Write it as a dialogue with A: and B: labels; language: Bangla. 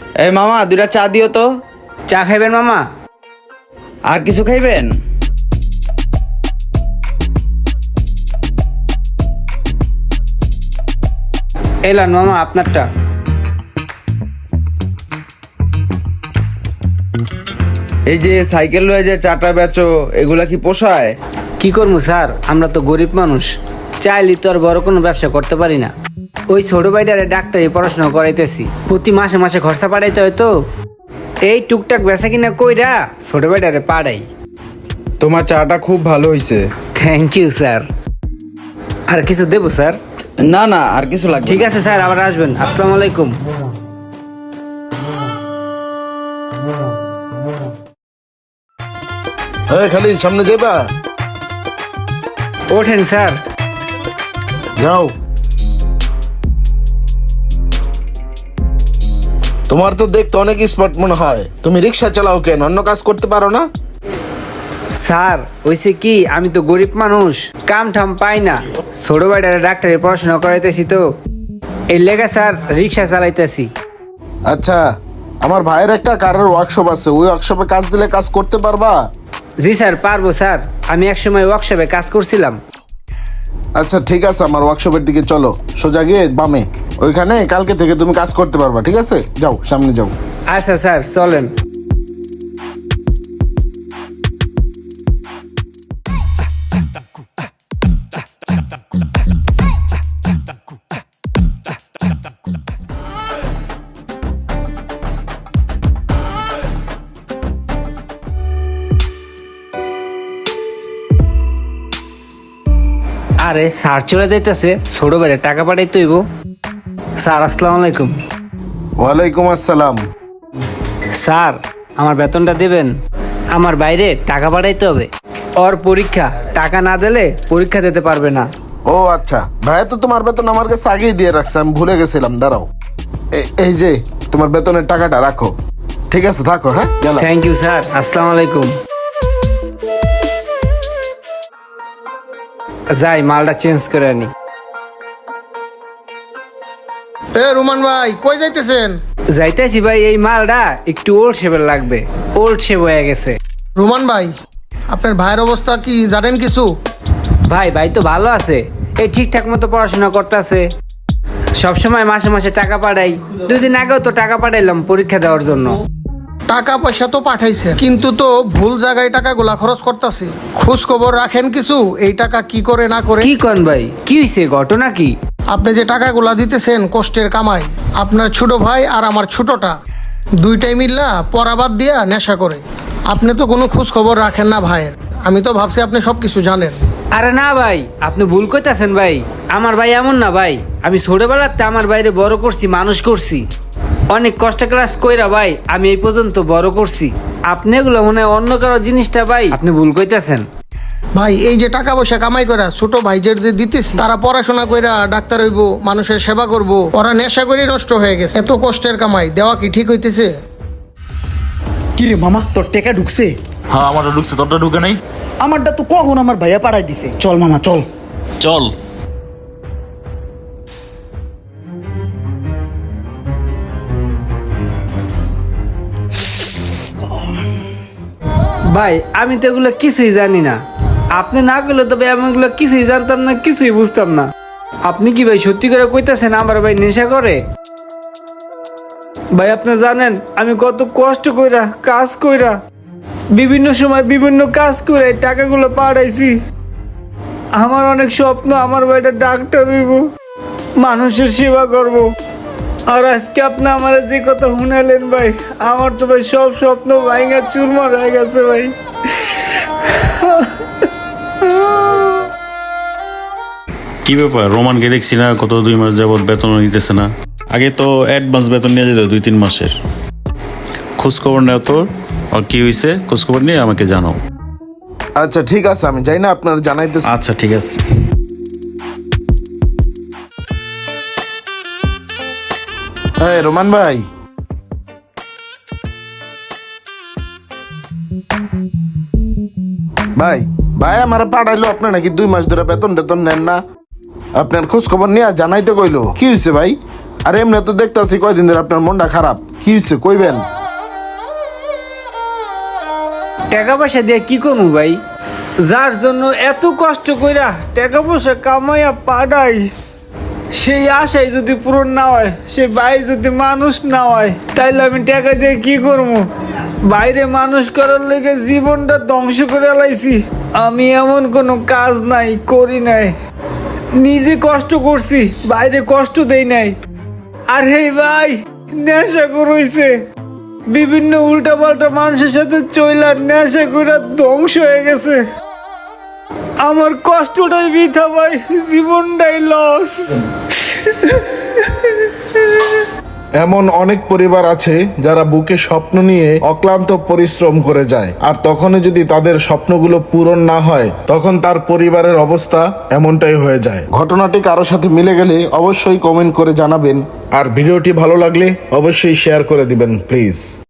A: এই মামা দুইটা চা দিও তো।
B: চা খাইবেন মামা?
A: আর কিছু খাইবেন?
B: এলান মামা আপনারটা।
A: এই যে সাইকেল লয়ে যে চাটা বেচো, এগুলা কি পোষায়?
B: কি করবো স্যার, আমরা তো গরিব মানুষ, চাইলে তো আর বড় কোনো ব্যবসা করতে পারি না। ওই ছোট ভাইটারে ডাক্তারি পড়াশোনা করাইতেছি, প্রতি মাসে মাসে খরচা পাঠাইতে হয় তো, এই টুকটাক বেচা কিনা কইরা ছোট ভাইটারে পাড়াই।
A: তোমার চাটা খুব ভালো হইছে।
B: Thank you sir. আর কিছু দেবো স্যার?
A: না না, আর কিছু লাগবে
B: ঠিক
A: না।
B: আছে স্যার, আবার আসবেন। আসসালামু আলাইকুম।
C: খালি সামনে যাবা?
B: ওঠেন স্যার।
C: যাও। তোমার তো দেখতে অনেক স্মার্ট মনে হয়, তুমি রিক্সা চালাও কেন? অন্য কাজ করতে পারো না?
B: স্যার ওইসে কি, আমি তো গরিব মানুষ, কাম ঠাম পাই না, ছোট ভাইটারে ডাক্তারি পড়াশোনা করাইতেছি তো, এই লেগে স্যার রিক্সা চালাইতেছি।
C: আচ্ছা, আমার ভাইয়ের একটা কারের ওয়ার্কশপ আছে, ওই ওয়ার্কশপে কাজ দিলে কাজ করতে পারবা?
B: জি স্যার পারবো স্যার, আমি একসময় ওয়ার্কশপে কাজ করছিলাম।
C: আচ্ছা ঠিক আছে, আমার ওয়ার্কশপের দিকে চলো, সোজা গিয়ে বামে, ওইখানে কালকে থেকে তুমি কাজ করতে পারবা। ঠিক আছে, যাও সামনে যাও।
B: আচ্ছা স্যার চলেন। আরে স্যার চলে যাইতেছে, ছোট ভাইয়ের টাকা পাঠাইতে হইব। স্যার আসসালামু আলাইকুম।
C: ওয়ালাইকুম আসসালাম।
B: স্যার আমার বেতনটা দেবেন, আমার বাইরে টাকা পাঠাইতে হবে, ওর পরীক্ষা, টাকা না দিলে পরীক্ষা দিতে পারবে না।
C: ও আচ্ছা, ভাইয়া তো তোমার বেতন আমার কাছে আগেই দিয়ে রাখছে, আমি ভুলে গেছিলাম। দাঁড়াও, এই যে তোমার বেতনের টাকাটা রাখো। ঠিক আছে থাকো, হ্যাঁ গেলাম।
B: থ্যাংক ইউ স্যার, আসসালামু আলাইকুম। যাই মালটা চেঞ্জ করে আনি।
D: রোমান ভাই কই যাইতেছেন?
B: যাইতেছি ভাই, এই মালটা একটু ওল্ড শেপের লাগবে, ওল্ড শেপ হয়ে গেছে।
D: রোমান ভাই, আপনার ভাইয়ের অবস্থা কি জানেন কিছু?
B: ভাই ভাই তো ভালো আছে, এই ঠিকঠাক মতো পড়াশোনা করতেছে, সবসময় মাসে মাসে টাকা পাঠাই, 2 দিন আগেও তো টাকা পাঠাইলাম পরীক্ষা দেওয়ার জন্য।
D: টাকা পয়সা তো পাঠাইছে, কিন্তু তো ভুল জায়গায় টাকাগুলা খরচ করতেছে। খোঁজ খবর রাখেন কিছু, এই টাকা কি করে না করে?
B: কি কন ভাই, কি হয়েছে, ঘটনা কি?
D: আপনি যে টাকাগুলা দিতেছেন কষ্টের কামাই, আপনার ছোট ভাই আর আমার ছোটটা দুইটাই মিল্লা পরাবাদ দিয়া নেশা করে। আপনি তো কোনো খোঁজ খবর রাখেন না ভাইয়ের, আমি তো ভাবছি আপনি সব কিছু জানেন।
B: আরে না ভাই, আপনি ভুল কইতাছেন ভাই, আমার ভাই এমন না ভাই, আমি ছোটবেলাতে আমার বাইরে বড় করছি, মানুষ করছি, অনেক কষ্ট ক্লাস কইরা ভাই আমি এই পর্যন্ত বড় করছি। আপনি এগুলো মনে হয় অন্য কারো জিনিসটা ভাই, আপনি ভুল কইতাছেন।
D: ভাই এই যে টাকা পয়সা কামাই করা ছোট ভাইদের যে দিতেছি, তারা পড়াশোনা কইরা ডাক্তার হইব, মানুষের সেবা করব, ওরা নেশা করে নষ্ট হয়ে গেছে। এত কষ্টের কামাই দেওয়া কি ঠিক হইতেছে?
E: কি রে মামা, তোর টাকা ঢুকছে?
F: হ্যাঁ আমারটা ঢুকছে, তোরটা ঢুকে নাই।
E: আমারটা তো কখন আমার ভাইয়া পাঠাই দিছে। চল মামা চল।
F: চল।
B: ভাই আমি তো এগুলো কিছুই জানি না, আপনি না করলে তো ভাই আমি এগুলো কিছুই জানতাম না, কিছুই বুঝতাম না। আপনি কি ভাই সত্যি করে কইতাছেন আমার ভাই নেশা করে? ভাই আপনি জানেন আমি কত কষ্ট কইরা কাজ কইরা বিভিন্ন সময় বিভিন্ন কাজ করে এই টাকাগুলো পাঠাইছি। আমার অনেক স্বপ্ন, আমার ভাইটা ডাক্তার হইব, মানুষের সেবা করব, আর আজকে আপনি আমার যে কথা শুনালেন ভাই, আমার তো ভাই সব স্বপ্ন ভাঙা চুরমার হয়ে গেছে ভাই।
F: কি ব্যাপার, রোমানকে দেখছি না কত 2 মাস যাবত বেতন নিতেছে না। আগে তো অ্যাডভান্স বেতন নিয়ে যেত 2-3 মাসের। খোঁজ খবর নেও তোর, আর কি হয়েছে খোঁজ খবর নিয়ে আমাকে জানাও।
C: আচ্ছা ঠিক আছে, আমি যাই না, আপনার জানাইতেছি।
F: আচ্ছা ঠিক আছে।
C: হ্যাঁ রোমান ভাই, ভাই ভাই আমার পাঠাইলো, আপনি নাকি 2 মাস ধরে বেতন টেতন নেন না। আপনার খোঁজ খবর নিয়ে জানাইতে কইলো, কি হয়েছে ভাই? আরে এমনি তো দেখতেছি কয়দিন ধরে আপনার মনটা খারাপ, কি হয়েছে কইবেন?
B: টাকা পয়সা দিয়ে কি করবো ভাই? যার জন্য এত কষ্ট কইরা টাকা পয়সা কামাইয়া পাঠাই, সেই আশাই যদি পূরণ না হয়, সে ভাই যদি মানুষ না হয়, তাইলে আমি টাকা দিয়ে কি করবো? বাইরে মানুষ করার লেগে জীবনটা ধ্বংস করে লাইছি। আমি এমন কোনো কাজ নাই করি নাই, নিজে কষ্ট করছি, বাইরে কষ্ট দেই নাই। আর হেই ভাই, নেশা করইছে, বিভিন্ন উল্টাপাল্টা মানুষের সাথে চইলা নেশা করে ধ্বংস হয়ে গেছে। আমার কষ্টটাই বৃথা ভাই, জীবনটাই লস।
C: এমন অনেক পরিবার আছে যারা বুকে স্বপ্ন নিয়ে অক্লান্ত পরিশ্রম করে যায়, আর তখনই যদি তাদের স্বপ্নগুলো পূরণ না হয়, তখন তার পরিবারের অবস্থা এমনটাই হয়ে যায়। ঘটনাটি কারোর সাথে মিলে গেলে অবশ্যই কমেন্ট করে জানাবেন, আর ভিডিওটি ভালো লাগলে অবশ্যই শেয়ার করে দিবেন প্লিজ।